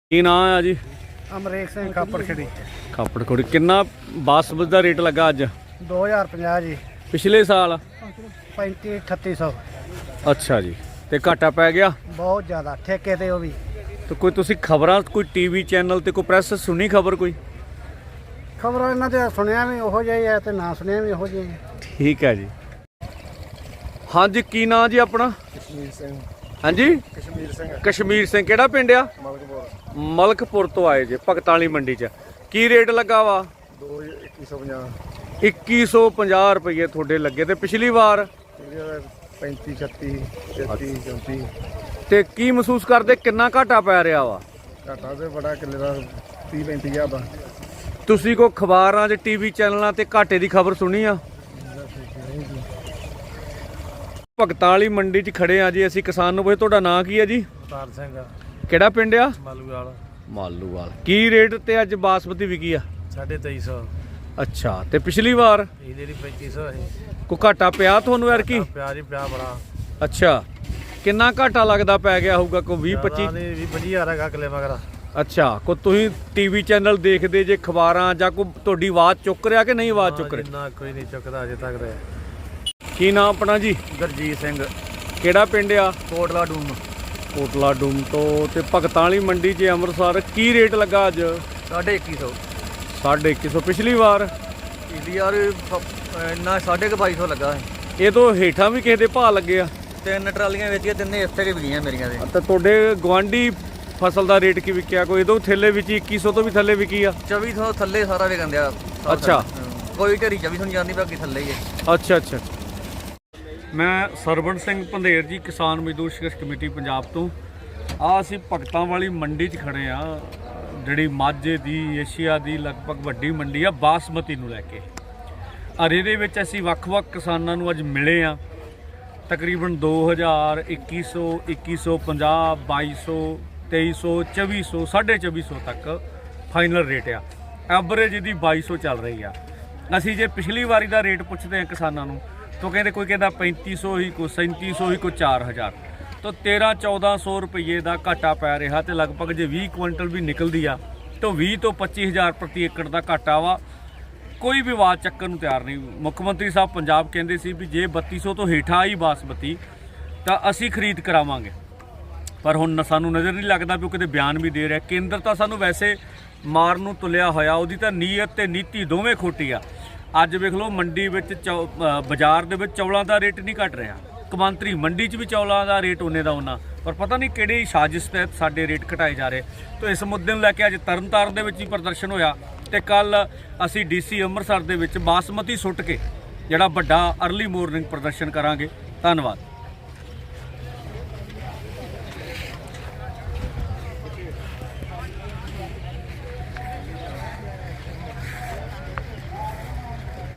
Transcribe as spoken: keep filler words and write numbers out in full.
ਕੀ ਨਾਂ ਆ ਜੀ? ਅਮਰੀਕ ਸਿੰਘ ਕਾਪੜ ਖੇੜੀ। ਕਾਪੜ ਖੋੜੀ। ਕਿੰਨਾ ਬਾਸਮਤੀ ਦਾ ਰੇਟ ਲੱਗਾ ਅੱਜ? ਦੋ ਹਜ਼ਾਰ ਪੰਜਾਹ ਜੀ। ਪਿਛਲੇ ਸਾਲ ਪੈਂਤੀ ਅਠੱਤੀ ਸੌ। ਅੱਛਾ ਜੀ। ਤੇ ਘਾਟਾ ਪੈ ਗਿਆ ਬਹੁਤ ਜ਼ਿਆਦਾ ਠੇਕੇ ਤੇ ਉਹ ਵੀ। ਤੇ ਕੋਈ ਤੁਸੀਂ ਖਬਰਾਂ ਕੋਈ ਟੀਵੀ ਚੈਨਲ ਤੇ ਕੋਈ ਪ੍ਰੈਸ ਸੁਣੀ ਖਬਰ ਕੋਈ? ਖਬਰਾਂ ਇਹਨਾਂ ਤੇ ਸੁਣਿਆ ਵੀ ਉਹੋ ਜਿਹਾ ਹੀ ਹੈ ਤੇ ਨਾ ਸੁਣਿਆ ਵੀ ਉਹੋ ਜਿਹਾ ਹੀ ਹੈ। ਠੀਕ ਹੈ ਜੀ। ਹਾਂਜੀ, ਕੀ ਨਾਂ ਜੀ ਆਪਣਾ? ਕਸ਼ਮੀਰ ਸਿੰਘ। ਹਾਂਜੀ, ਕਸ਼ਮੀਰ ਸਿੰਘ। ਕਸ਼ਮੀਰ ਸਿੰਘ। ਕਿਹੜਾ ਪਿੰਡ ਆ? ਮਲਕਪੁਰ। ਮਲਕਪੁਰ ਤੋਂ ਆਏ ਜੇ ਭਗਤਾਂ ਵਾਲੀ ਮੰਡੀ 'ਚ। ਕੀ ਰੇਟ ਲੱਗਾ ਵਾ? ਦੋ ਇੱਕੀ ਸੌ ਪੰਜਾਹ। ਇੱਕੀ ਸੌ ਪੰਜਾਹ ਰੁਪਏ ਤੁਹਾਡੇ ਲੱਗੇ। ਤੇ ਪਿਛਲੀ ਵਾਰ ਪੈਂਤੀ ਛੱਤੀ ਤੇਤੀ ਚੌਂਤੀ। ਤੇ ਕੀ ਮਹਿਸੂਸ ਕਰਦੇ ਕਿੰਨਾ ਘਾਟਾ ਪੈ ਰਿਹਾ ਵਾ? ਘਾਟਾ ਤੇ ਬੜਾ ਕਿੱਲੇ ਦਾ ਤੀਹ ਪੈਂਤੀ ਹਜ਼ਾਰ ਦਾ। ਤੁਸੀਂ ਕੋਈ ਅਖਬਾਰਾਂ 'ਚ ਟੀਵੀ ਚੈਨਲਾਂ ਤੇ ਘਾਟੇ ਦੀ ਖਬਰ ਸੁਣੀ ਆ? ਭਗਤਾਂ ਵਾਲੀ ਮੰਡੀ 'ਚ ਖੜੇ ਆ ਜੀ ਅਸੀਂ। ਕਿਸਾਨ ਨੂੰ ਪੁੱਛੇ ਤੁਹਾਡਾ ਨਾਂ ਕੀ ਹੈ ਜੀ? ਅਵਤਾਰ ਸਿੰਘ। ਕਿਹੜਾ ਪਿੰਡ ਆ? ਮਾਲੂਵਾਲ। ਮਾਲੂਵਾਲ। ਕੀ ਰੇਟ ਤੇ ਅੱਜ ਬਾਸਮਤੀ ਵਿਕੀ ਆ? ਸਾਢੇ ਤੇਈ ਸੌ। ਅੱਛਾ। ਤੇ ਪਿਛਲੀ ਵਾਰ ਇਹਦੇ ਦੀ ਪੈਂਤੀ ਸੌ ਹੈ। ਕੋਈ ਘਾਟਾ ਪਿਆ ਤੁਹਾਨੂੰ ਯਾਰ ਕੀ? ਪਿਆਰ ਹੀ ਪਿਆ ਬੜਾ। ਅੱਛਾ। ਕਿੰਨਾ ਘਾਟਾ ਲੱਗਦਾ ਪੈ ਗਿਆ ਹੋਊਗਾ? ਕੋਈ ਵੀਹ ਪੱਚੀ? ਵੀਹ ਪੱਚੀ ਹਜ਼ਾਰ ਹੈਗਾ ਕਿੱਲੇ ਮਗਰ। ਅੱਛਾ। ਕੋਈ ਤੁਸੀਂ ਟੀਵੀ ਚੈਨਲ ਦੇਖਦੇ ਜੇ, ਖਬਰਾਂ ਜਾਂ ਕੋਈ ਤੁਹਾਡੀ ਆਵਾਜ਼ ਚੁੱਕ ਰਿਹਾ ਕਿ ਨਹੀਂ ਆਵਾਜ਼ ਚੁੱਕ ਰਿਹਾ? ਨਾ ਕੋਈ ਨਹੀਂ ਚੁੱਕਦਾ ਅਜੇ ਤੱਕ ਤੇ। ਕੀ ਨਾਮ ਆਪਣਾ ਜੀ? ਗੁਰਜੀਤ ਸਿੰਘ। ਕਿਹੜਾ ਪਿੰਡ ਆ? ਕੋਟਲਾ ਡੂਮ। ਕੋਟਲਾ ਡੂਮ ਤੋਂ। ਤੇ ਭਗਤਾਂ ਵਾਲੀ ਮੰਡੀ 'ਚ ਅੰਮ੍ਰਿਤਸਰ ਕੀ ਰੇਟ ਲੱਗਾ ਅੱਜ? ਸਾਢੇ ਇੱਕੀ ਸੌ। ਸਾਢੇ ਇੱਕੀ ਸੌ। ਪਿਛਲੀ ਵਾਰ ਇਹਦੀ ਯਾਰ ਇੰਨਾ ਸਾਢੇ ਕੁ ਬਾਈ ਸੌ ਲੱਗਾ ਹੈ। ਇਹ ਤੋਂ ਹੇਠਾਂ ਵੀ ਕਿਸੇ ਦੇ ਭਾਅ ਲੱਗੇ ਆ? ਤਿੰਨ ਟਰਾਲੀਆਂ ਵੇਚੀਆਂ, ਤਿੰਨੇ ਇੱਥੇ ਕੇ ਵਿਕੀਆਂ ਮੇਰੀਆਂ ਦੇ। ਤੇ ਤੁਹਾਡੇ ਗੁਆਂਢੀ ਫਸਲ ਦਾ ਰੇਟ ਕੀ ਵਿਕਿਆ? ਕੋਈ ਇਹਦੋਂ ਥੱਲੇ ਵਿੱਚ ਇੱਕੀ ਸੌ ਤੋਂ ਵੀ ਥੱਲੇ ਵਿਕੀ ਆ? ਚੌਵੀ ਸੌ ਥੱਲੇ ਸਾਰਾ ਵਿਕਣ ਦਿਆ। ਅੱਛਾ। ਕੋਈ ਢੇਰੀ ਚੌਵੀ ਸੌ ਨਹੀਂ ਜਾਂਦੀ, ਬਾਕੀ ਥੱਲੇ ਹੀ ਹੈ। ਅੱਛਾ ਅੱਛਾ। ਮੈਂ ਸਰਵਣ ਸਿੰਘ ਪੰਧੇਰ ਜੀ, ਕਿਸਾਨ ਮਜ਼ਦੂਰ ਸੰਘਰਸ਼ ਕਮੇਟੀ ਪੰਜਾਬ ਤੋਂ। ਆ ਅਸੀਂ ਭਗਤਾਂ ਵਾਲੀ ਮੰਡੀ 'ਚ ਖੜੇ ਆ, ਜਿਹੜੀ ਮਾਝੇ ਦੀ, ਏਸ਼ੀਆ ਦੀ ਲਗਭਗ ਵੱਡੀ ਮੰਡੀ ਆ ਬਾਸਮਤੀ ਨੂੰ ਲੈ ਕੇ। ਔਰ ਇਹਦੇ ਵਿੱਚ ਅਸੀਂ ਵੱਖ-ਵੱਖ ਕਿਸਾਨਾਂ ਨੂੰ ਅੱਜ ਮਿਲੇ ਆ। ਤਕਰੀਬਨ ਦੋ ਹਜ਼ਾਰ, ਇੱਕੀ ਸੌ, ਇੱਕੀ ਸੌ ਪੰਜਾਹ, ਬਾਈ ਸੌ, ਤੇਈ ਸੌ, ਚੌਵੀ ਸੌ, ਸਾਢੇ ਚੌਵੀ ਸੌ ਤੱਕ ਫਾਈਨਲ ਰੇਟ ਆ। ਐਵਰੇਜ ਇਹਦੀ ਬਾਈ ਸੌ ਚੱਲ ਰਹੀ ਆ। ਅਸੀਂ ਜੇ ਪਿਛਲੀ ਵਾਰੀ ਦਾ ਰੇਟ ਪੁੱਛਦੇ ਹਾਂ ਕਿਸਾਨਾਂ ਨੂੰ ਤਾਂ ਕਹਿੰਦੇ ਕੋਈ ਕਹਿੰਦਾ ਪੈਂਤੀ ਸੌ ਹੀ, ਕੋਈ ਸੈਂਤੀ ਸੌ ਹੀ, ਕੋਈ ਚਾਰ ਹਜ਼ਾਰ। ਤਾਂ ਤੇਰ੍ਹਾਂ ਚੌਦ੍ਹਾਂ ਸੌ ਰੁਪਈਏ ਦਾ ਘਾਟਾ ਪੈ ਰਿਹਾ। ਤੇ ਲਗਭਗ ਜੇ ਵੀਹ ਕੁਇੰਟਲ ਵੀ ਨਿਕਲਦੀ ਆ ਤਾਂ ਵੀਹ ਤੋਂ ਪੱਚੀ ਹਜ਼ਾਰ ਪ੍ਰਤੀ ਏਕੜ ਦਾ ਘਾਟਾ ਵਾ। ਕੋਈ ਵੀ ਆਵਾਜ਼ ਚੱਕਣ ਨੂੰ ਤਿਆਰ ਨਹੀਂ। ਮੁੱਖ ਮੰਤਰੀ ਸਾਹਿਬ ਪੰਜਾਬ ਕਹਿੰਦੇ ਸੀ ਵੀ ਜੇ ਬੱਤੀ ਸੌ ਤੋਂ ਹੇਠਾਂ ਆਈ ਬਾਸਮਤੀ ਤਾਂ ਅਸੀਂ ਖਰੀਦ ਕਰਾਵਾਂਗੇ। ਪਰ ਹੁਣ ਸਾਨੂੰ ਨਜ਼ਰ ਨਹੀਂ ਲੱਗਦਾ ਵੀ ਉਹ ਕਿਤੇ ਬਿਆਨ ਵੀ ਦੇ ਰਿਹਾ। ਕੇਂਦਰ ਤਾਂ ਸਾਨੂੰ ਵੈਸੇ ਮਾਰਨ ਨੂੰ ਤੁਲਿਆ ਹੋਇਆ, ਉਹਦੀ ਤਾਂ ਨੀਅਤ ਤੇ ਨੀਤੀ ਦੋਵੇਂ ਖੋਟੀ ਆ। ਅੱਜ ਵੇਖ ਲਓ ਮੰਡੀ ਵਿੱਚ ਚੌ ਬਾਜ਼ਾਰ ਦੇ ਵਿੱਚ ਚੌਲਾਂ ਦਾ ਰੇਟ ਨਹੀਂ ਘਟ ਰਿਹਾ। ਕੌਮਾਂਤਰੀ ਮੰਡੀ 'ਚ ਵੀ ਚੌਲਾਂ ਦਾ ਰੇਟ ਉਹਨੇ ਦਾ ਉਹਨਾਂ, ਪਰ ਪਤਾ ਨਹੀਂ ਕਿਹੜੀ ਸਾਜ਼ਿਸ਼ ਤਹਿਤ ਸਾਡੇ ਰੇਟ ਘਟਾਏ ਜਾ ਰਹੇ। ਤਾਂ ਇਸ ਮੁੱਦੇ ਨੂੰ ਲੈ ਕੇ ਅੱਜ ਤਰਨਤਾਰਨ ਦੇ ਵਿੱਚ ਹੀ ਪ੍ਰਦਰਸ਼ਨ ਹੋਇਆ। ਤੇ ਕੱਲ ਅਸੀਂ ਡੀਸੀ ਅੰਮ੍ਰਿਤਸਰ ਦੇ ਵਿੱਚ ਬਾਸਮਤੀ ਸੁੱਟ ਕੇ ਜਿਹੜਾ ਵੱਡਾ ਅਰਲੀ ਮੋਰਨਿੰਗ ਪ੍ਰਦਰਸ਼ਨ ਕਰਾਂਗੇ। ਧੰਨਵਾਦ।